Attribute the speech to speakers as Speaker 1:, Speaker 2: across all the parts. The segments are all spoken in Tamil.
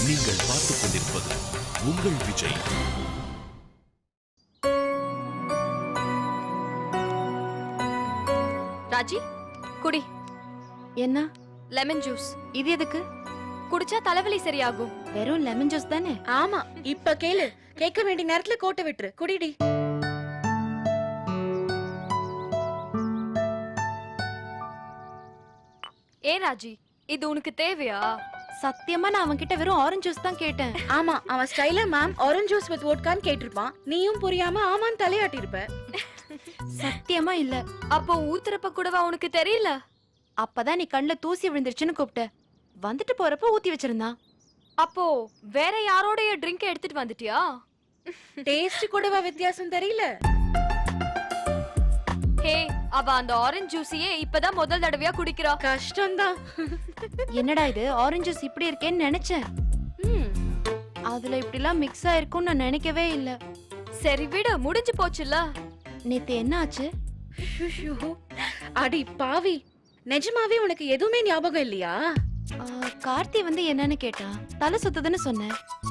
Speaker 1: நீங்கள் பார்த்துக் கொண்டிருப்பது உங்கள் விஜய்.
Speaker 2: ராஜி, குடி.
Speaker 3: என்ன?
Speaker 2: Lemon juice.
Speaker 3: இது எதுக்கு?
Speaker 2: குடிச்சா தலைவலி சரியாகும்.
Speaker 3: வெறும் லெமன் ஜூஸ் தானே?
Speaker 4: ஆமா, இப்ப கேளு. கேட்க வேண்டிய நேரத்துல கோட்டை விட்டுரு. குடிடி.
Speaker 2: ஏ ராஜி, இது உனக்கு தேவையா?
Speaker 3: சத்தியமா நான் அவன்கிட்ட வெறும் ஆரஞ்சு ஜூஸ் தான் கேட்டேன்.
Speaker 4: ஆமா, அவன் ஸ்டைல மேம் ஆரஞ்சு ஜூஸ் வித் வோட்கான்னு கேட்டிருப்பான். நீயும் புரியாம ஆமான்னு தலையாட்டி இருப்ப.
Speaker 3: சத்தியமா இல்ல.
Speaker 2: அப்போ ஊத்துறப்ப கூடவா உனக்கு தெரியல?
Speaker 3: அப்பதான் நீ கண்ணுல தூசி விழுந்துருச்சுன்னு கூப்பிட்ட. வந்துட்டு போறப்ப ஊத்தி வச்சிருந்தான்.
Speaker 2: அப்போ வேற யாரோடைய ட்ரிங்க் எடுத்துட்டு வந்துட்டியா?
Speaker 4: டேஸ்ட் கூடவா வித்தியாசம் தெரியல?
Speaker 2: ஹே, அவ அந்த ஆரஞ்சு ஜூஸையே இப்பதான் முதல் தடவையா குடிக்கிறா.
Speaker 4: கஷ்டம்தான்.
Speaker 3: என்னடா இது ஆரஞ்சு ஜூஸ் இப்படி இருக்கேன்னு நினைச்சேன். அதுல இப்படி எல்லாம் மிக்ஸ் ஆயிருக்கும்னு நான் நினைக்கவே இல்ல.
Speaker 2: சரி விடு, முடிஞ்சு போச்சுல.
Speaker 3: நேத்து என்ன ஆச்சு?
Speaker 4: அடி பாவி, நிஜமாவே உனக்கு எதுவுமே ஞாபகம் இல்லையா?
Speaker 3: கார்த்தி வந்து என்னன்னு கேட்டான். தலை சுத்துதுன்னு சொன்னேன்.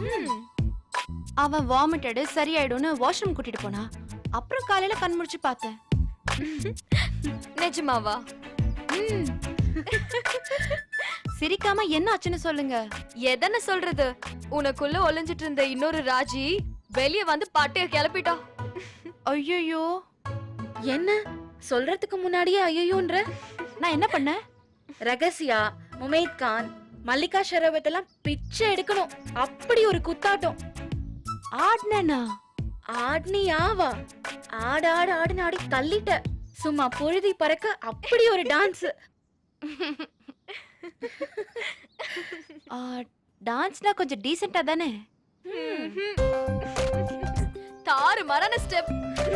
Speaker 3: அவன் வாமிட்டடு சரியாயிடும்னு வாஷ்ரூம் கூட்டிட்டு போனா. அப்புறம் காலையில கண் முழிச்சு பார்த்தேன்.
Speaker 2: நிஜமாவா?
Speaker 3: சிரிக்காம என்ன ஆச்சுன்னு சொல்லுங்க.
Speaker 2: எதன சொல்றது? உனக்குள்ள ஒளிஞ்சிட்டு இருந்த இன்னொரு ராஜி வெளிய வந்து பாட்டைய கிளப்பிட்டா.
Speaker 3: ஐயோ,
Speaker 4: என்ன சொல்றதுக்கு முன்னாடியே ஐயோன்ற?
Speaker 3: நான் என்ன பண்ணேன்?
Speaker 4: ரகசியா, முமைத் கான், மல்லிகா ஷெராவத் எல்லாம் பிச்சை எடுக்கணும். அப்படி ஒரு குத்தாட்டம்.
Speaker 3: ஆட்னா
Speaker 4: ஆட்னியாவா? ஆடு ஆடு ஆடுன்னு ஆடி தள்ளிட்ட. சும்மா பொழுதி பறக்க அப்படி ஒரு டான்ஸ்.
Speaker 3: டான்ஸ்னா கொஞ்சம் டீசென்ட்டா தானே?
Speaker 2: தாறு மரண ஸ்டெப்.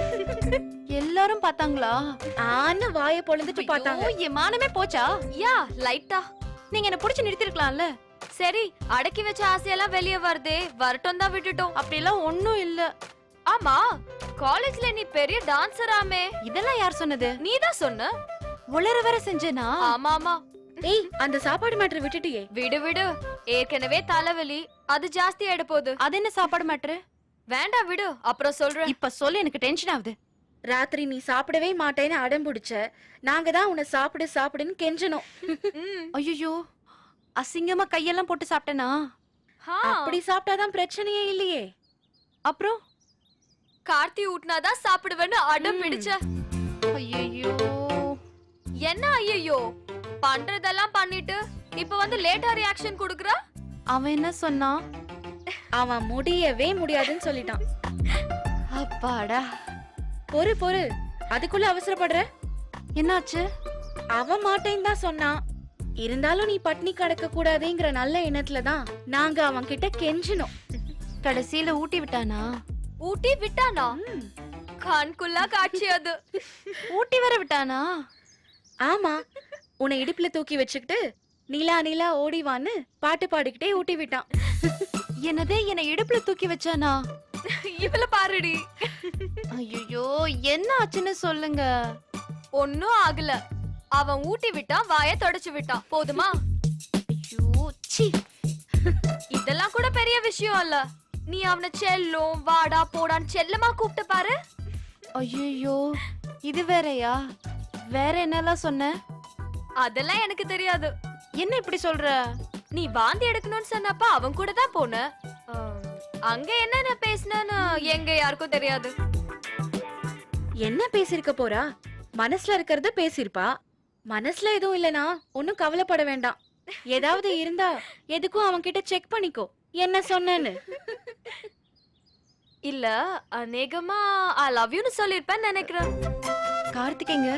Speaker 3: எல்லாரும் பார்த்தாங்களா?
Speaker 4: ஆன வாய பொளந்துட்டு பார்த்தாங்க.
Speaker 3: என் மானமே போச்சா?
Speaker 2: யா, லைட்டா.
Speaker 3: நீங்க என்ன புடிச்சு நிறுத்திருக்கலாம்ல.
Speaker 2: சரி, அடக்கி வச்ச ஆசையெல்லாம் வெளிய வருதே, வரட்டும் தான் விட்டுட்டோம்.
Speaker 3: அப்படிலாம் ஒண்ணும் இல்ல.
Speaker 2: ஆமா, காலேஜ்ல நீ பெரிய டான்சராமே.
Speaker 3: இதெல்லாம் யார் சொன்னது?
Speaker 2: நீதான் சொன்ன.
Speaker 3: உளற வர செஞ்சேனா?
Speaker 2: ஆமா ஆமா.
Speaker 4: ஏய், அந்த சாப்பாடு மேட்டர் விட்டுட்டியே.
Speaker 2: விடு விடு, ஏற்கனவே தலைவலி, அது ஜாஸ்தி ஆயிட போகுது.
Speaker 3: அது என்ன சாப்பாடு மேட்ரு?
Speaker 2: வேண்டாம் விடு, அப்புறம் சொல்றேன்.
Speaker 3: இப்ப சொல்லு, எனக்கு டென்ஷன் ஆகுது.
Speaker 4: ராத்திரி நீ சாப்பிடவே மாட்டேன்னு அடம் பிடிச்ச. நாங்க தான் உன்னை சாப்பிடு சாப்பிடுன்னு கெஞ்சணும்.
Speaker 3: ஐயோ, அசிங்கமா கையெல்லாம் போட்டு சாப்பிட்டேனா?
Speaker 4: அப்படி சாப்பிட்டாதான் பிரச்சனையே இல்லையே.
Speaker 3: அப்புறம்
Speaker 2: கார்த்தி ஊட்டினாதான் சாப்பிடுவேன்னு அடம் பிடிச்ச.
Speaker 3: ஐயோ,
Speaker 2: என்ன ஐயோ? பண்றதெல்லாம் பண்ணிட்டு இப்ப வந்து லேட்டா ரியாக்ஷன் குடுக்குற?
Speaker 3: அவன் என்ன சொன்னான்?
Speaker 4: அவன் முடியவே முடியாதுன்னு சொல்லிட்டான்.
Speaker 3: அப்பாடா.
Speaker 4: பொறு பொறு, அதுக்குள்ள அவசரப்படுற?
Speaker 3: என்னாச்சு?
Speaker 4: அவன் மாட்டேன்னு தான் சொன்னான். இருந்தாலும் நீ பட்னி கடக்க கூடாதுங்கிற நல்ல எண்ணத்துல தான் நாங்க அவன் கிட்ட கெஞ்சணும்.
Speaker 3: கடைசியில ஊட்டி விட்டானா?
Speaker 2: ஊட்டி விட்டானா? கண்குள்ளா காட்சி அது.
Speaker 3: ஊட்டி வர விட்டானா?
Speaker 4: ஆமா, உன்னை இடுப்புல தூக்கி வச்சுக்கிட்டு நீலா நீலா ஓடிவான்னு பாட்டு பாடிக்கிட்டே ஊட்டி விட்டான்.
Speaker 3: என்னதே, என்னை இடுப்புல தூக்கி வச்சானா?
Speaker 2: இவள பாருடி.
Speaker 3: ஐயோ, என்ன ஆச்சுன்னு சொல்லுங்க.
Speaker 2: ஒன்னும் ஆகல. அவன் ஊட்டி விட்டான், வாயை தொடச்சு விட்டான். போதுமா?
Speaker 3: ஐயோ, சீ.
Speaker 2: இதெல்லாம் கூட பெரிய விஷயம் இல்ல. நீ அவனை செல்லும் வாடா போடான்னு செல்லமா கூப்பிட்டு பாரு.
Speaker 3: ஐயோ, இது வேறயா? வேற என்னெல்லாம் சொன்ன?
Speaker 2: அதெல்லாம் எனக்கு தெரியாது.
Speaker 3: என்ன இப்படி சொல்ற?
Speaker 2: நீ வாந்தி எடுக்கணும்னு சொன்னப்ப அவன் கூட தான் போன. அங்க என்னென்ன பேசினு எங்க யாருக்கும் தெரியாது.
Speaker 4: என்ன பேசிருக்க போறா? மனசுல இருக்கிறத பேசிருப்பா. மனசுல எதுவும் இல்லனா ஒன்னும் கவலைப்பட வேண்டாம். ஏதாவது இருந்தா எதுக்கும் அவன் கிட்ட செக் பண்ணிக்கோ என்ன சொன்னேன்னு.
Speaker 2: இல்ல, அநேகமா ஐ லவ் யூன்னு சொல்லிருப்பேன்னு நினைக்கிறேன்.
Speaker 3: கார்த்திகேங்க,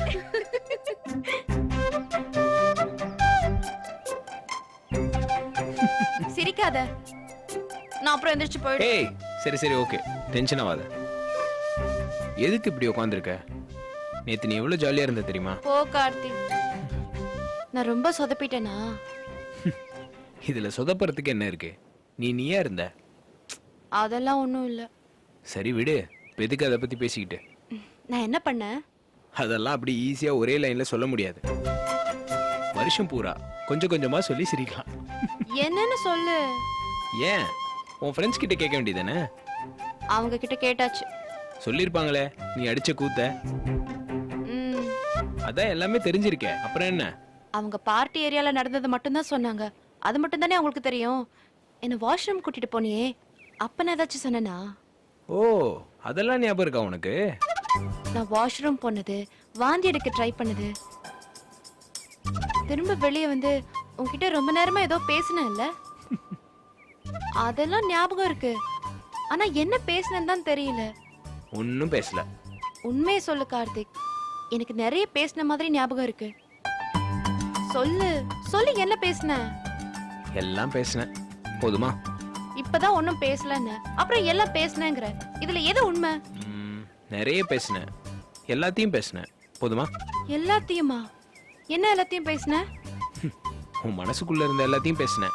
Speaker 3: சிரிக்காத. நான் அப்புறம் எந்திரிச்சு போயிடு.
Speaker 5: ஏய், சரி சரி, ஓகே, டென்ஷன் ஆகாத. எதுக்கு இப்படி உட்காந்துருக்க? நேத்து நீ எவ்வளவு ஜாலியா இருந்த தெரியுமா?
Speaker 3: போ கார்த்தி. நான் ரொம்ப சொதப்பிட்டேனா?
Speaker 5: இதுல சொதப்புறதுக்கு என்ன இருக்கு? நீயா இருந்த.
Speaker 3: அதெல்லாம் ஒண்ணும் இல்ல.
Speaker 5: சரி விடு, எதுக்கு அதை பத்தி பேசிக்கிட்டு?
Speaker 3: நான் என்ன பண்ணேன்?
Speaker 5: அதெல்லாம் அப்படி ஈஸியா ஒரே லைன்ல சொல்ல முடியாது. வருஷம் பூரா கொஞ்சம் கொஞ்சமா சொல்லி சிரிக்கலாம்.
Speaker 3: என்னன்னு சொல்லு.
Speaker 5: ஏன் உன் ஃப்ரெண்ட்ஸ் கிட்ட கேட்க வேண்டியதானே?
Speaker 3: அவங்க கிட்ட கேட்டாச்சு.
Speaker 5: சொல்லியிருப்பாங்களே நீ அடிச்ச கூத்த.
Speaker 3: ம்,
Speaker 5: அதான் எல்லாமே தெரிஞ்சிருக்கே, அப்புறம் என்ன?
Speaker 3: அவங்க பார்ட்டி ஏரியால நடந்தது மட்டும்தான் சொன்னாங்க. அது மட்டும் தானே அவங்களுக்கு தெரியும். என்ன வாஷ்ரூம் கூட்டிட்டு போனியே, அப்ப நான் ஏதாச்சும் சொன்னேனா?
Speaker 5: ஓ, அதெல்லாம் ஞாபகம் இருக்கா உனக்கு?
Speaker 3: நான் வாஷ்ரூம் போனது, வாந்தி எடுக்க ட்ரை பண்ணது, திரும்ப வெளியே வந்து உன்கிட்ட ரொம்ப நேரமா ஏதோ பேசினேன்ல, அதெல்லாம் ஞாபகம் இருக்கு. ஆனா என்ன பேசினேன்னு தான் தெரியல.
Speaker 5: ஒன்னும் பேசல.
Speaker 3: உண்மையை சொல்லு கார்த்திக், எனக்கு நிறைய பேசின மாதிரி ஞாபகம் இருக்கு. சொல்லு சொல்லு, என்ன பேசின?
Speaker 5: எல்லாம் பேசினேன், போதுமா?
Speaker 3: இப்பதான் ஒன்னும் பேசலன்னு அப்புறம் எல்லாம் பேசினேங்கிற, இதுல எது உண்மை?
Speaker 5: நிறைய பேசினேன், எல்லாத்தையும் பேசினேன், போதுமா?
Speaker 3: எல்லாத்தையுமா? என்ன எல்லாத்தையும் பேசின?
Speaker 5: உன் மனசுக்குள்ள இருந்த எல்லாத்தையும் பேசினேன்.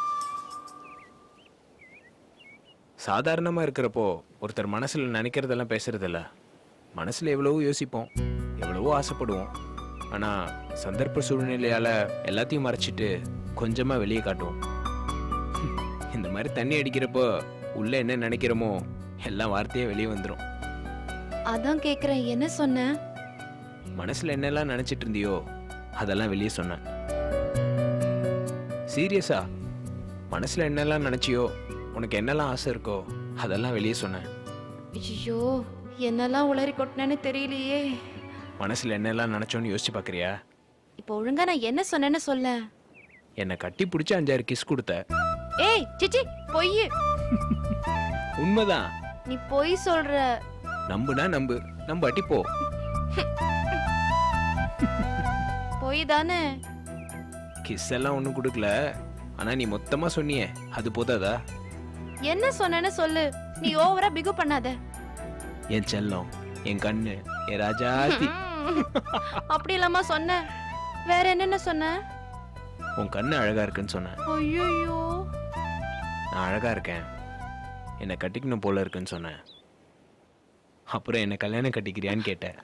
Speaker 5: சாதாரணமா இருக்கிறப்போ ஒருத்தர் மனசுல நினைக்கிறதெல்லாம் பேசுறது இல்ல. மனசுல எவ்வளவோ யோசிப்போம், எவ்வளவோ ஆசைப்படுவோம். ஆனா சந்தர்ப்ப சூழ்நிலையால எல்லாத்தையும் மறைச்சிட்டு கொஞ்சமா வெளியே காட்டுவோம். இந்த மாதிரி தண்ணி அடிக்கிறப்போ உள்ள என்ன நினைக்கிறோமோ எல்லாம் வார்த்தையே வெளியே வந்துடும்.
Speaker 3: அதான் கேக்குறேன், என்ன சொன்ன?
Speaker 5: மனசுல என்னெல்லாம் நினைச்சிட்டு இருந்தியோ அதெல்லாம் வெளியே சொன்னேன். சீரியஸா, மனசுல என்னெல்லாம் நினைச்சியோ, உனக்கு என்னெல்லாம் ஆசை இருக்கோ அதெல்லாம் வெளியே சொன்னேன்.
Speaker 3: ஐயோ, என்னெல்லாம் உளறி கொட்டினேன்னு தெரியலையே.
Speaker 5: மனசுல என்னெல்லாம் நினைச்சோன்னு யோசிச்சு பாக்குறியா?
Speaker 3: இப்போ ஒழுங்கா நான் என்ன சொன்னேன்னு சொல்ல.
Speaker 5: என்னை கட்டி பிடிச்சி 5-6 கிஸ் கொடுத்த.
Speaker 3: ஏய் சிச்சி, பொய்.
Speaker 5: உண்மைதான்.
Speaker 3: நீ பொய் சொல்ற.
Speaker 5: நம்புனா நம்பு, நம்பாட்டி போ.
Speaker 3: பொய் தானே?
Speaker 5: கிஸ் எல்லாம் ஒண்ணும் கொடுக்கல, ஆனா நீ மொத்தமா சொன்னியே, அது போதாதா?
Speaker 3: என்ன சொன்னேன்னு சொல்லு. நீ ஓவரா பிகு பண்ணாத.
Speaker 5: என் செல்லம், என் கண்ணு, என் ராஜாத்தி.
Speaker 3: அப்படி இல்லாம சொன்ன. வேற என்னென்ன சொன்ன?
Speaker 5: உன் கண்ணு அழகா இருக்குன்னு சொன்னேன்.
Speaker 3: ஐயோ,
Speaker 5: நான் அழகா இருக்கேன், என்னை கட்டிக்கணும் போல இருக்குன்னு சொன்னேன். அப்புறம் என்ன கல்யாணம் கட்டிக்கிறியான்னு கேட்டேன்.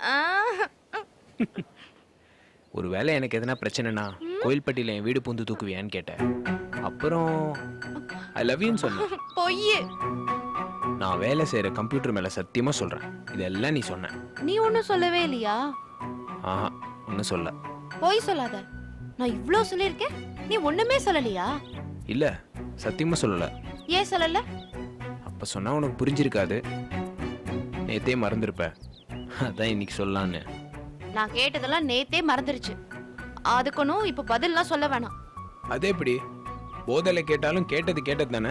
Speaker 5: ஒருவேளை எனக்கு எதனா பிரச்சனைனா கோயில்பட்டியில என் வீடு பூந்து தூக்குவியான்னு கேட்டேன். அப்புறம் ஐ லவ் யூன்னு சொன்னேன்.
Speaker 3: பொய்.
Speaker 5: நான் வேலை செய்யற கம்ப்யூட்டர் மேல சத்தியமா சொல்றேன், இதெல்லாம் நீ சொன்ன.
Speaker 3: நீ ஒன்னும் சொல்லவே இல்லையா?
Speaker 5: ஆஹா, ஒன்னும் சொல்ல.
Speaker 3: பொய் சொல்லாத. நான் இவ்ளோ சொல்லிருக்கேன், நீ ஒண்ணுமே சொல்லலையா?
Speaker 5: இல்ல, சத்தியமா சொல்லல.
Speaker 3: ஏன் சொல்லல?
Speaker 5: அப்ப சொன்னா உனக்கு புரிஞ்சிருக்காது, நேத்தே மறந்துருப்ப. அதான் இன்னைக்கு சொல்லலான்னு.
Speaker 3: நான் கேட்டதெல்லாம் நேத்தே மறந்துருச்சு. அதுக்கணும் இப்ப பதில்லாம் சொல்ல வேணாம்.
Speaker 5: அது எப்படி? போதலை கேட்டாலும் கேட்டது கேட்டது தானே.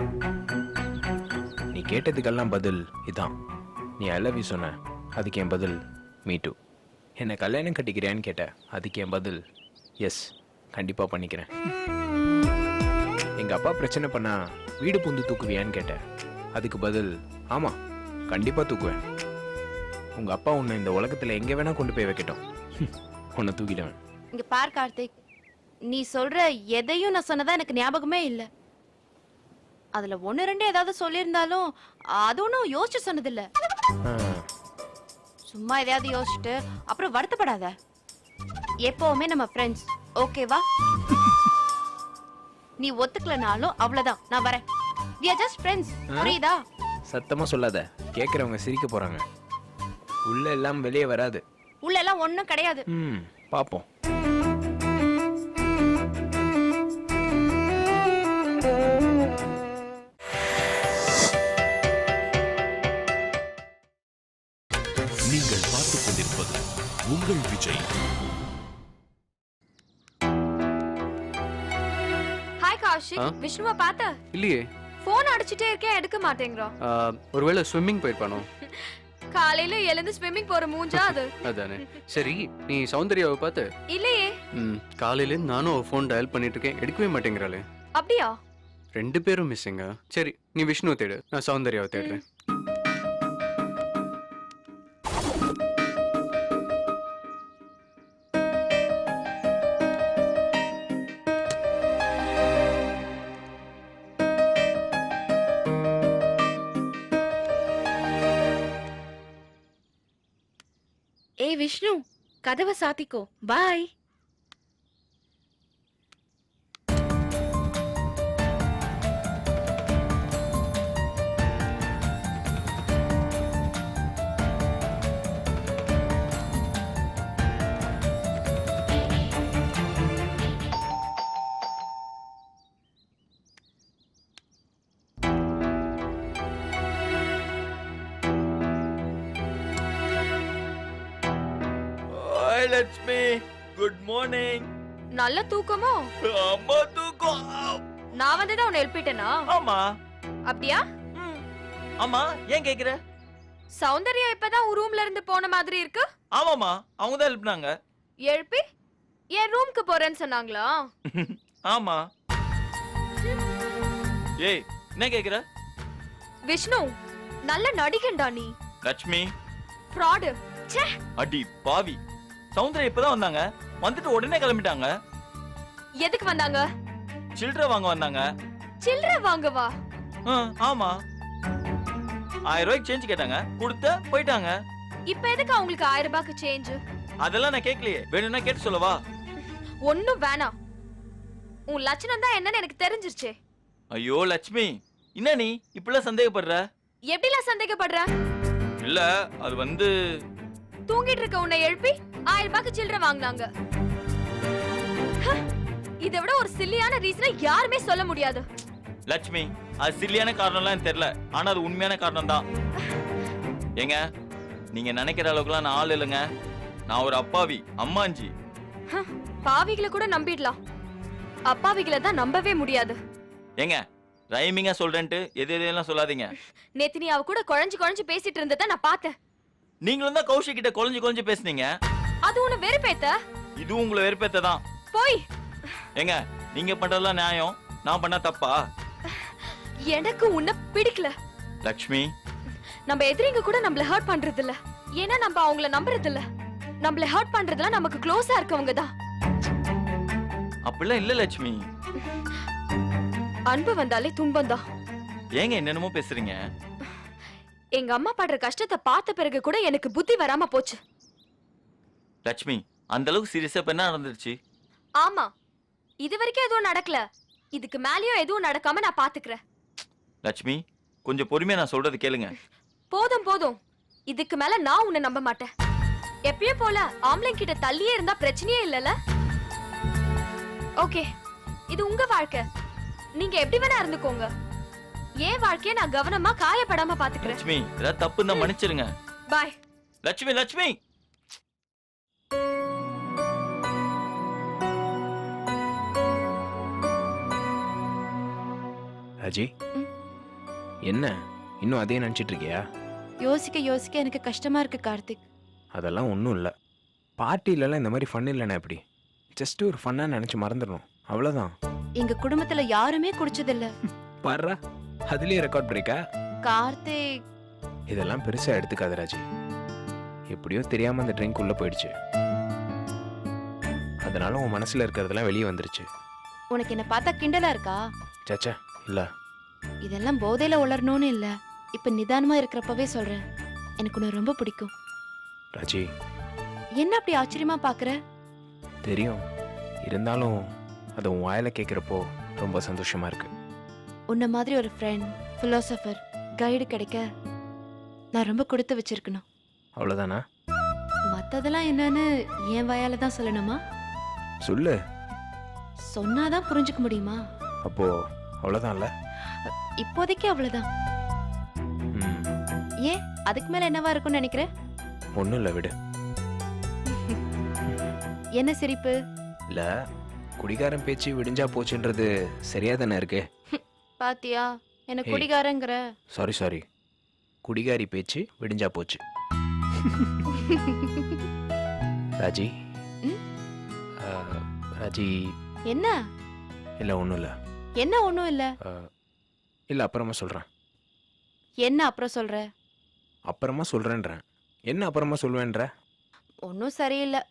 Speaker 5: நீ கேட்டதுக்கெல்லாம் பதில் இதான். நீ ஐ லவ் யூ சொன்ன, அதுக்கு என் பதில் மீ டூ. என்னை கல்யாணம் கட்டிக்கிறியான்னு கேட்ட, அதுக்கு என் பதில் எஸ், கண்டிப்பா பண்ணிக்கிறேன். எங்க அப்பா பிரச்சனை பண்ணா வீடு பூந்து தூக்குவியான்னு கேட்ட, அதுக்கு பதில் ஆமா, கண்டிப்பா தூக்குவேன். உங்க அப்பா உன்னை இந்த உலகத்துல எங்க வேணா கொண்டு போய் வைக்கட்டும், உன்னை தூக்கிடுவேன்.
Speaker 3: இங்க பார் கார்த்திக், நீ சொல்ற எதையும் நான் சொன்னதா எனக்கு ஞாபகமே இல்ல. அதுல 1-2 ஏதாவது சொல்லியிருந்தாலும் அது ஒன்றும் யோசிச்சு சொன்னதில்ல.
Speaker 5: ஆ,
Speaker 3: சும்மா எதையாவது யோசிச்சுட்டு அப்புறம் வருத்தப்படாத. எப்பவுமே நம்ம ஃப்ரெண்ட்ஸ், ஓகேவா? நீ ஒத்துக்கலனாலும் அவ்வளவுதான், நான் வரேன். we are just friends, புரியுதா?
Speaker 5: சத்தமா சொல்லாத, கேக்குறவங்க சிரிக்க போறாங்க. உள்ள எல்லாம் வெளியே வராது.
Speaker 3: உள்ள எல்லாம் ஒண்ணும் கிடையாது.
Speaker 5: பாப்போம்.
Speaker 1: நீங்கள் பார்த்துக் கொண்டிருப்பது உங்கள் விஜய்.
Speaker 2: ஹாய் கௌஷிக், விஷ்ணுவை பார்த்த?
Speaker 6: இல்லையே.
Speaker 2: போன் அடிச்சிட்டே இருக்கேன், எடுக்க மாட்டேங்கிறோம்.
Speaker 6: ஒருவேளை ஸ்விம்மிங் போயிருப்பானோ?
Speaker 2: காலையில எழுந்து ஸ்விம்மிங் போற மூஞ்சா அது.
Speaker 6: அதானே. சரி, நீ சௌந்தர்யாவை பார்த்து?
Speaker 2: இல்லையே.
Speaker 6: காலையில நானும் ஃபோன் டயல் பண்ணிட்டு இருக்கேன், எடுக்கவே மாட்டேங்கிறாளே.
Speaker 2: அப்படியா?
Speaker 6: 2 பேரும் மிஸ்ஸிங்க. சரி, நீ விஷ்ணுவை தேடு, நான் சௌந்தர்யாவை தேடுறேன்.
Speaker 4: ஏய் விஷ்ணு, கதவை சாத்திக்கோ. பாய்.
Speaker 7: லட்சுமி. Good morning.
Speaker 2: நல்ல தூக்கமோ?
Speaker 7: அம்மா தூக்கம்.
Speaker 2: நான் வந்துதான் உன்னை எழுப்பிட்டேனா?
Speaker 7: ஆமா.
Speaker 2: அப்படியா?
Speaker 7: ஆமா, ஏன் கேக்குற?
Speaker 2: சௌந்தர்யா இப்பதான் உன் ரூம்ல இருந்து போன மாதிரி இருக்கு.
Speaker 7: ஆமாமா, அவங்க தான் எழுப்பினாங்க.
Speaker 2: எழுப்பி என் ரூம்க்கு போறேன்னு சொன்னாங்களா?
Speaker 7: ஆமா. ஏய், என்ன கேக்குற?
Speaker 2: விஷ்ணு, நல்ல நடிகன்டா நீ.
Speaker 7: லட்சுமி.
Speaker 2: ஃப்ராடு. ச்சே.
Speaker 7: அடி பாவி. சௌந்தர்யா இப்பதான் வந்தாங்க. வந்துட்டு உடனே கிளம்பிட்டாங்க.
Speaker 2: எதுக்கு வந்தாங்க?
Speaker 7: சில்லறை வாங்க வந்தாங்க.
Speaker 2: சில்லறை வாங்கவா?
Speaker 7: ஆமா. 1000 ரூபாய்க்கு சேஞ்ச் கேட்டாங்க, கொடுத்த போயிட்டாங்க.
Speaker 2: இப்ப எதுக்கு அவங்களுக்கு 1000 ரூபாய்க்கு சேஞ்ச்?
Speaker 7: அதெல்லாம் நான் கேட்கலையே. வேணும்னா கேட்டு சொல்லவா?
Speaker 2: ஒண்ணும் வேணாம். உன் லட்சணம் தான் என்னன்னு எனக்கு தெரிஞ்சிருச்சே.
Speaker 7: ஐயோ லட்சுமி, என்ன நீ இப்படிலாம் சந்தேகப்படுற?
Speaker 2: எப்படிலாம் சந்தேகப்படுற?
Speaker 7: இல்ல, அது வந்து
Speaker 2: தூங்கிட்டு இருக்க உன்னை எழுப்பி 1000 ரூபாய்க்கு சில்லறை வாங்குனாங்க. இதை விட ஒரு சில்லியான ரீசனை யாருமே சொல்ல முடியாது.
Speaker 7: லட்சுமி, அது சில்லியான காரணம்லாம் எனக்கு தெரியல, ஆனா அது உண்மையான காரணம் தான். ஏங்க, நீங்க நினைக்கிற அளவுக்குலாம் நான் ஆள் இல்லைங்க. நான் ஒரு அப்பாவி அம்மாஞ்சி.
Speaker 2: பாவிகளை கூட நம்பிடலாம், அப்பாவிகளை தான் நம்பவே முடியாது.
Speaker 7: ஏங்க, ரைமிங்கா சொல்றேன்ட்டு எதையெல்லாம் சொல்லாதீங்க.
Speaker 2: நேத்து நீ அவ கூட குழஞ்சு பேசிட்டு இருந்ததை நான் பார்த்தேன்.
Speaker 7: நீங்களும் தான் கௌஷிக் கிட்ட குழஞ்சு பேசுனீங்க.
Speaker 2: அது உன்னை வெறுப்பேத்த?
Speaker 7: இது உங்களை வெறுப்பேத்ததான்.
Speaker 2: போய்.
Speaker 7: ஏங்க, நீங்க பண்றதெல்லாம் நியாயம், நான் பண்ணா தப்பா?
Speaker 2: எனக்கு உன்னை பிடிக்கல.
Speaker 7: லட்சுமி,
Speaker 2: நம்ம எதிரிங்க கூட நம்மள ஹர்ட் பண்றது இல்ல, ஏன்னா நம்ம அவங்கள நம்புறது இல்ல. நம்மள ஹர்ட் பண்றதுலாம் நமக்கு க்ளோஸா இருக்கவங்க தான்.
Speaker 7: அப்படிலாம் இல்ல லட்சுமி.
Speaker 2: அன்பு வந்தாலே துன்பம் தான்.
Speaker 7: ஏங்க என்னென்னமோ பேசுறீங்க?
Speaker 2: எங்க அம்மா படுற கஷ்டத்தை பார்த்த பிறகு கூட எனக்கு புத்தி வராம போச்சு.
Speaker 7: லட்சுமி, அந்த அளவுக்கு சீரியஸா என்ன நடந்துருச்சு?
Speaker 2: ஆமா, இது வரைக்கும் எதுவும் நடக்கல, இதுக்கு மேலயும் எதுவும் நடக்காம நான் பாத்துக்கிறேன்.
Speaker 7: லட்சுமி, கொஞ்சம் பொறுமையா நான் சொல்றது கேளுங்க.
Speaker 2: போதும் போதும், இதுக்கு மேல நான் உன்னை நம்ப மாட்டேன். எப்பயும் போல ஆம்பளை கிட்ட தள்ளியே இருந்தா பிரச்சனையே இல்லல. ஓகே, இது உங்க வாழ்க்கை, நீங்க எப்படி வேணா இருந்துக்கோங்க. ஏன் வாழ்க்கைய நான் கவனமா காயப்படாம பாத்துக்கிறேன்.
Speaker 7: லட்சுமி, ஏதாவது தப்பு இருந்தா மன்னிச்சிருங்க.
Speaker 2: பாய்.
Speaker 7: லட்சுமி, லட்சுமி.
Speaker 5: ராஜி, என்ன இன்னும் அதே நினைச்சிட்டு இருக்கியா?
Speaker 3: யோசிக்க எனக்கு கஷ்டமா இருக்கு கார்த்திக்.
Speaker 5: அதெல்லாம் ஒன்றும் இல்லை. பார்ட்டிலலாம் இந்த மாதிரி ஃபன் இல்லைன்னா எப்படி? ஜஸ்ட் ஒரு ஃபன்னாக நினச்சி மறந்துடணும், அவ்வளோதான்.
Speaker 3: எங்க குடும்பத்துல யாருமே குடிச்சதில்ல.
Speaker 5: பாருடா, அதுலேயே ரெக்கார்ட் பிரேக்கா?
Speaker 3: கார்த்திக்,
Speaker 5: இதெல்லாம் பெருசாக எடுத்துக்காத ராஜி. எப்படியோ தெரியாமல் அந்த ட்ரிங்க் உள்ளே போயிடுச்சு, அதனால உன் மனசில் இருக்கிறதெல்லாம் வெளியே வந்துருச்சு.
Speaker 3: உனக்கு என்ன பார்த்தா கிண்டலா இருக்கா?
Speaker 5: சச்சா இல்லை.
Speaker 3: இதெல்லாம் போதையில உளரணும்னு இல்ல, இப்ப நிதானமா இருக்கிறப்பவே சொல்றேன், எனக்கு உன்னை ரொம்ப பிடிக்கும்.
Speaker 5: ராஜி,
Speaker 3: என்ன அப்படி ஆச்சரியமா பாக்குற?
Speaker 5: தெரியும், இருந்தாலும் அதை உன் வாயில கேட்குறப்போ ரொம்ப சந்தோஷமா இருக்கு.
Speaker 3: உன்ன மாதிரி ஒரு ஃப்ரெண்ட், பிலோசபர், கைடு கிடைக்க நான் ரொம்ப கொடுத்து வச்சிருக்கணும்.
Speaker 5: அவ்வளோதானா?
Speaker 3: மத்ததெல்லாம் என்னன்னு என் வாயால தான் சொல்லணுமா?
Speaker 5: சொல்லு.
Speaker 3: சொன்னாதான் புரிஞ்சுக்க முடியுமா?
Speaker 5: அப்போ அவ்வளோதான்ல?
Speaker 3: இப்போதைக்கு அவ்வளவுதான். ஏன் அதுக்கு மேல என்னவா இருக்கும்னு நினைக்கிற?
Speaker 5: ஒன்றும் இல்லை, விடு.
Speaker 3: என்ன சிரிப்பு?
Speaker 5: இல்லை, குடிகாரன் பேச்சு விடிஞ்சா போச்சுன்றது சரியா தானே இருக்கு?
Speaker 3: பாத்தியா, என்ன குடிகாரங்கிற?
Speaker 5: சாரி, குடிகாரி பேச்சு விடிஞ்சா போச்சு. ராஜி, ராஜி.
Speaker 3: என்ன?
Speaker 5: இல்லை, ஒன்றும் இல்லை.
Speaker 3: என்ன ஒண்ணும் இல்ல?
Speaker 5: இல்லை, அப்புறமா சொல்கிறேன்.
Speaker 3: என்ன அப்புறம் சொல்ற?
Speaker 5: அப்புறமா சொல்கிறேன்றேன். என்ன அப்புறமா சொல்வேன்ற?
Speaker 3: ஒன்னும் சரியில்லை.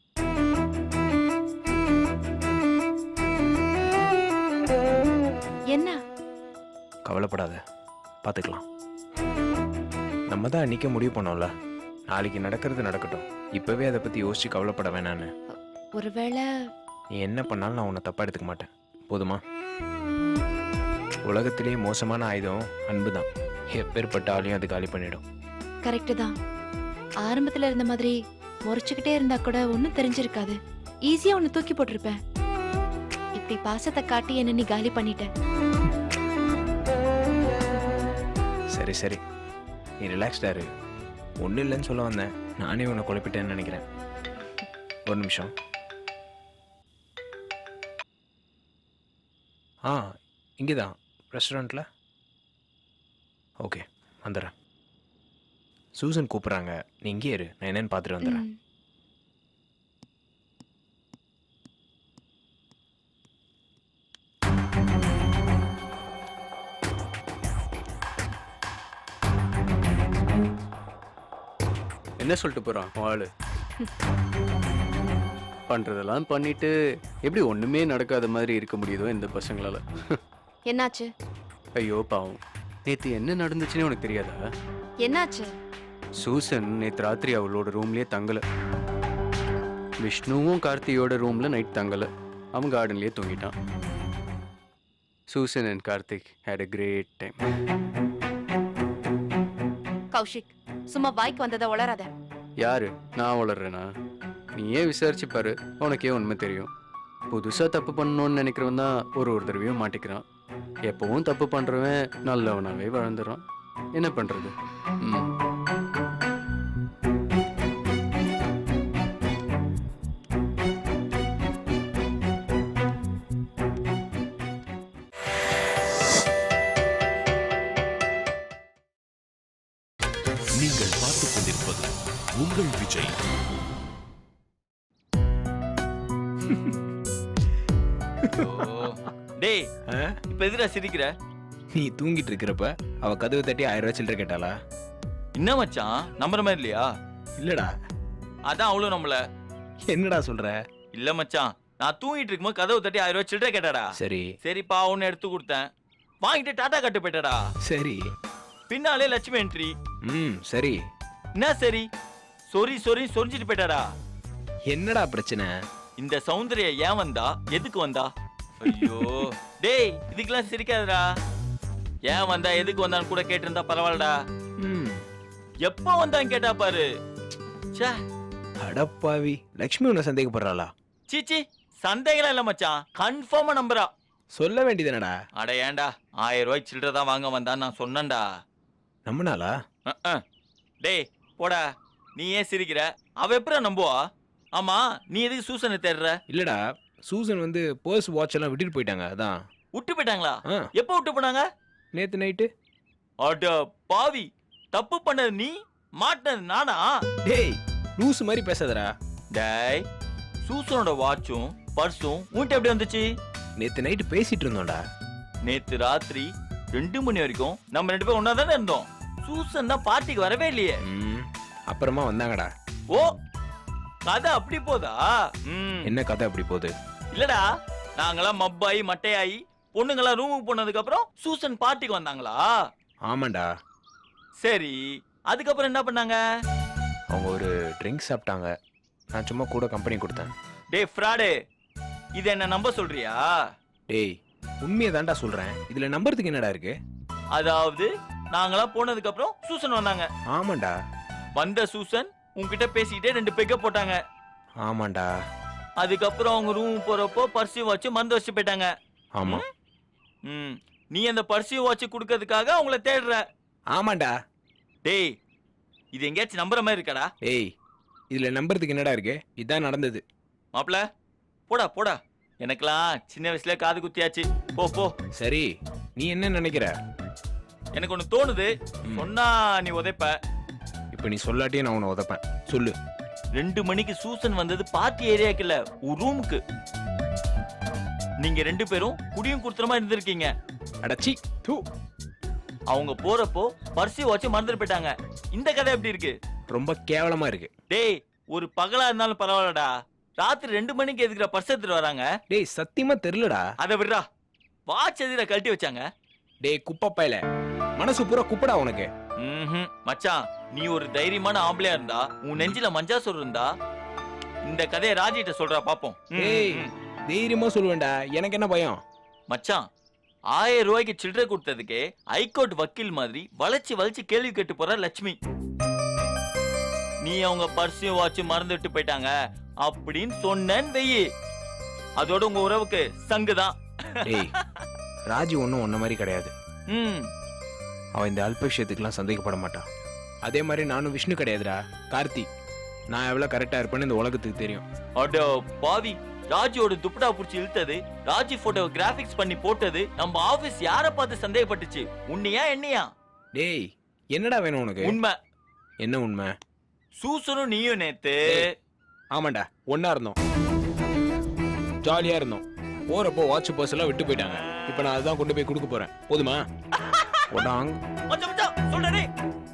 Speaker 3: என்ன?
Speaker 5: கவலைப்படாத, பார்த்துக்கலாம். நம்ம தான் அன்றைக்கி முடிவு பண்ணோம்ல, நாளைக்கு நடக்கிறது நடக்கட்டும், இப்போவே அதை பற்றி யோசிச்சு கவலைப்பட வேணான்னு.
Speaker 3: ஒருவேளை
Speaker 5: நீ என்ன பண்ணாலும் நான் உன்னை தப்பாக எடுத்துக்க மாட்டேன், போதுமா? உலகத்திலேயே மோசமான ஆயுதம் அன்பு தான். எப்பேற்பட்ட ஆளையும் அது காலி பண்ணிடும்.
Speaker 3: கரெக்டு தான். ஆரம்பத்துல இருந்த மாதிரி முறைச்சுக்கிட்டே இருந்தா கூட ஒன்னும் தெரிஞ்சிருக்காது. ஈஸியா ஒன்னு தூக்கி போட்டிருப்பேன். இப்படி பாசத்தை காட்டி என்ன நீ காலி பண்ணிட்ட.
Speaker 5: சரி, நீ ரிலாக்ஸ்டா இரு. ஒன்றும் இல்லைன்னு சொல்ல வந்தேன், நானே உன்னை குழப்பிட்டேன்னு நினைக்கிறேன். ஒரு நிமிஷம். ஆ இங்கே தான் ரெஸ்டாரண்ட்டில். ஓகே வந்துடுறேன். சூசன் கூப்பிட்றாங்க, நீ இங்கே இரு, நான் என்னன்னு பார்த்துட்டு வந்துடுறேன்.
Speaker 3: ம்.
Speaker 6: என்ன சொல்லிட்டு போறான் ஆளு? பண்றதெல்லாம் பண்ணிட்டு எப்படி ஒண்ணுமே நடக்காத மாதிரி இருக்க முடியுதோ இந்த பசங்களால.
Speaker 3: என்னாச்சு?
Speaker 6: ஐயோ பாவம், நேத்து என்ன நடந்துச்சுன்னு உனக்கு தெரியாதா?
Speaker 3: என்னாச்சு?
Speaker 6: சூசன் நேத்து ராத்திரி அவளோட ரூம்லயே தங்கல. விஷ்ணுவும் கார்த்தியோட ரூம்ல நைட் தங்கல, அவன் கார்டன்லயே தூங்கிட்டான். Susan and Karthik had a great time.
Speaker 3: Kaushik, சும்மா வாய்க்கு வந்ததை உளராத.
Speaker 6: யாரு நான் வளர்றேனா? நீயே விசாரிச்சு பாரு, உனக்கே உண்மை தெரியும். புதுசா தப்பு பண்ணணும்னு நினைக்கிறவன் தான் ஒரு தடவையும் மாட்டிக்கிறான். எப்பவும் தப்பு பண்றவன் நல்லவனாவே வளர்ந்துறான். என்ன பண்றது? ம்.
Speaker 1: நீங்கள் பார்த்துக் கொண்டிருப்பது உங்கள் விஜய்.
Speaker 7: டேய்
Speaker 5: ஆ?
Speaker 7: இப்ப எதுடா சிரிக்கிற?
Speaker 5: நீ தூங்கிட்டு இருக்கிறப்ப அவ கதவு தட்டி 1000 ரூபாய் சில்லற கேட்டாளா?
Speaker 7: என்ன மச்சான் நம்புற மாதிரி இல்லையா?
Speaker 5: இல்லடா.
Speaker 7: அதான் அவளும் நம்மள.
Speaker 5: என்னடா சொல்ற?
Speaker 7: இல்ல மச்சான், நான் தூங்கிட்டு இருக்கும்போது கதவு தட்டி 1000 ரூபாய் சில்லறை கேட்டாடா.
Speaker 5: சரி
Speaker 7: சரிப்பா ஒன்னு எடுத்து கொடுத்தேன், வாங்கிட்டு டாடா கட்டு போயிட்டாடா.
Speaker 5: சரி.
Speaker 7: பின்னாலே லட்சுமி என்ட்ரி.
Speaker 5: சரி.
Speaker 7: என்ன சரி? சொரி சொரி சொரிஞ்சிட்டு போயிட்டாடா.
Speaker 5: என்னடா பிரச்சனை?
Speaker 7: இந்த சௌந்தர்யா ஏன் வந்தா, எதுக்கு வந்தா? ஐயோ டேய் இதுக்கெல்லாம் சிரிக்காதடா. ஏன் வந்தா எதுக்கு வந்தான்னு கூட கேட்டிருந்தா பரவாயில்லடா.
Speaker 5: ம்.
Speaker 7: எப்ப வந்தான்னு கேட்டா பாரு. ச்சே,
Speaker 5: அடப்பாவி, லக்ஷ்மி உன்னை சந்தேகப்படுறாளா?
Speaker 7: சீச்சி சந்தேகம் இல்ல மச்சான், கன்ஃபார்மா நம்புறா.
Speaker 5: சொல்ல வேண்டியதுனடா.
Speaker 7: அட ஏன்டா 1000 ரூபாய் சில்லறை தான் வாங்க வந்தான்னு நான் சொன்னேன்டா.
Speaker 5: நம்பினாளா?
Speaker 7: டேய் போடா, நீ ஏன் சிரிக்கிற? அவ எப்படா நம்புவா? ஆமா நீ எதுக்கு சூசனை தேடுற?
Speaker 5: இல்லடா, சூசன் வந்து பர்ஸ் வாட்ச் எல்லாம் விட்டுட்டு போயிட்டாங்க, அதான்.
Speaker 7: விட்டு போயிட்டாங்களா?
Speaker 5: ஆ,
Speaker 7: எப்ப விட்டு போனாங்க?
Speaker 5: நேத்து நைட்டு.
Speaker 7: அட பாவி, தப்பு பண்ணது நீ, மாட்டினது நானா?
Speaker 5: டேய் லூஸ் மாதிரி பேசாதடா.
Speaker 7: டேய் சூசனோட வாட்சும் பர்ஸும் உன்கிட்ட எப்படி வந்துச்சு?
Speaker 5: நேத்து நைட்டு பேசிட்டு இருந்தோம்டா.
Speaker 7: நேத்து ராத்திரி 2 மணி வரைக்கும் நம்ம 2 பேரும் ஒன்னா தானே இருந்தோம். சூசன் தான் பார்ட்டிக்கு வரவே இல்லையே.
Speaker 5: அப்புறமா வந்தாங்கடா.
Speaker 7: ஓ கதை அப்படி போதா?
Speaker 5: என்ன கதை அப்படி போகுது?
Speaker 7: இல்லடா, நாங்களாம் மப்பாயி மட்டையாயி பொண்ணுங்களாம் ரூமுக்கு போனதுக்கு அப்புறம் சூசன் பார்ட்டிக்கு வந்தாங்களா?
Speaker 5: ஆமாண்டா.
Speaker 7: சரி, அதுக்கப்புறம் என்ன பண்ணாங்க?
Speaker 5: அவங்க ஒரு ட்ரிங்க் சாப்பிட்டாங்க, நான் சும்மா கூட கம்பெனி கொடுத்தேன்.
Speaker 7: டேய் ஃப்ராடு, இது என்ன நம்ப சொல்றியா?
Speaker 5: டேய் உண்மையை தான்டா சொல்றேன், இதுல நம்புறதுக்கு என்னடா இருக்கு?
Speaker 7: அதாவது நாங்களாம் போனதுக்கு அப்புறம் சூசன் வந்தாங்க.
Speaker 5: ஆமாண்டா.
Speaker 7: வந்த சூசன் உன்கிட்ட பேசிக்கிட்டே 2 பெக்க போட்டாங்க.
Speaker 5: ஆமாண்டா.
Speaker 7: அதுக்கப்புறம் அவங்க ரூம் போறப்போ பர்சியூ வாட்ச் மறந்து வச்சு போயிட்டாங்க.
Speaker 5: ஆமா.
Speaker 7: நீ அந்த பர்சியூ வாட்ச் குடுக்கிறதுக்காக அவங்கள தேடுற.
Speaker 5: ஆமாண்டா.
Speaker 7: டேய் இது எங்கேயாச்சும் நம்புற மாதிரி இருக்காடா?
Speaker 5: டேய் இதுல நம்புறதுக்கு என்னடா இருக்கு? இதான் நடந்தது.
Speaker 7: மாப்ள போடா போடா, எனக்கெல்லாம் சின்ன வயசுல காது குத்தியாச்சு. போ போ.
Speaker 5: சரி, நீ என்ன நினைக்கிற?
Speaker 7: எனக்கு ஒண்ணு தோணுது, சொன்னா நீ உதைப்ப.
Speaker 5: இப்ப நீ சொல்லாட்டியே நான் உன்னை உதைப்பேன். சொல்லு.
Speaker 7: 2 மணிக்கு சூசன் வந்தது பார்ட்டி ஏரியாக்கு இல்ல, ஒரு ரூமுக்கு. நீங்க 2 பேரும் குடியும் குடுத்துறமா இருந்திருக்கீங்க.
Speaker 5: அடச்சி தூ.
Speaker 7: அவங்க போறப்போ பர்சி வாட்ச் மறந்துட்டு போயிட்டாங்க. இந்த கதை எப்படி இருக்கு?
Speaker 5: ரொம்ப கேவலமா இருக்கு.
Speaker 7: டேய் ஒரு பகலா இருந்தாலும் பரவாயில்லடா, ராத்திரி 2 மணிக்கு எதுக்குற பர்ஸ் எடுத்துட்டு வராங்க?
Speaker 5: டேய் சத்தியமா தெரியலடா.
Speaker 7: அதை விடுறா, வாட்ச் எதிர கழட்டி வச்சாங்க.
Speaker 5: டேய் குப்பை பயல, மனசு பூரா குப்படா உனக்கு.
Speaker 7: மச்சான் நீ ஒரு தைரியமான ஆம்பளையா இருந்தா, உன் நெஞ்சில மஞ்சா சொல் இருந்தா, இந்த கதையை ராஜிட்ட சொல்றா பாப்போம்.
Speaker 5: டேய் தைரியமா சொல்லுவேன்டா, எனக்கு என்ன பயம்?
Speaker 7: மச்சான் 1000 ரூபாய்க்கு சில்லறை கொடுத்ததுக்கே ஹைகோர்ட் வக்கீல் மாதிரி வளைச்சு வளைச்சு கேள்வி கேட்டு போற லட்சுமி. நீ அவங்க பர்சியும் வாட்ச் மறந்துட்டு போயிட்டாங்க அப்படின்னு சொன்னேன்னு வெயி, அதோட உங்க உறவுக்கு சங்குதான்.
Speaker 5: டேய் ராஜி ஒன்னும் ஒன்ன மாதிரி கிடையாது. அவ இந்த அல்ப விஷயத்துக்குலாம் சந்தேகப்பட மாட்டான். அதே மாதிரி நானும் விஷ்ணு கிடையாதுடா, கார்த்தி. நான் எவ்வளவு கரெக்டா இருப்பேன்னு இந்த உலகத்துக்கு தெரியும்.
Speaker 7: அட பாவி, ராஜியோட துப்படா புடிச்சு இழுத்தது, ராஜி போட்டோ கிராபிக்ஸ் பண்ணி போட்டது, நம்ம ஆபீஸ் யார பார்த்து சந்தேகப்பட்டுச்சு? உன்னையா என்னையா?
Speaker 5: டேய் என்னடா வேணும் உனக்கு?
Speaker 7: உண்மை.
Speaker 5: என்ன உண்மை?
Speaker 7: சூசனும் நீயும் நேத்து
Speaker 5: ஆமாண்டா, ஒண்ணா இருந்தோம், ஜாலியா இருந்தோம். போறப்போ வாட்ச் பர்ஸ் எல்லாம் விட்டு போயிட்டாங்க. இப்ப நான் அதான் கொண்டு போய் கொடுக்க போறேன். போதுமா?
Speaker 7: மச்சான் சொல்றேன்.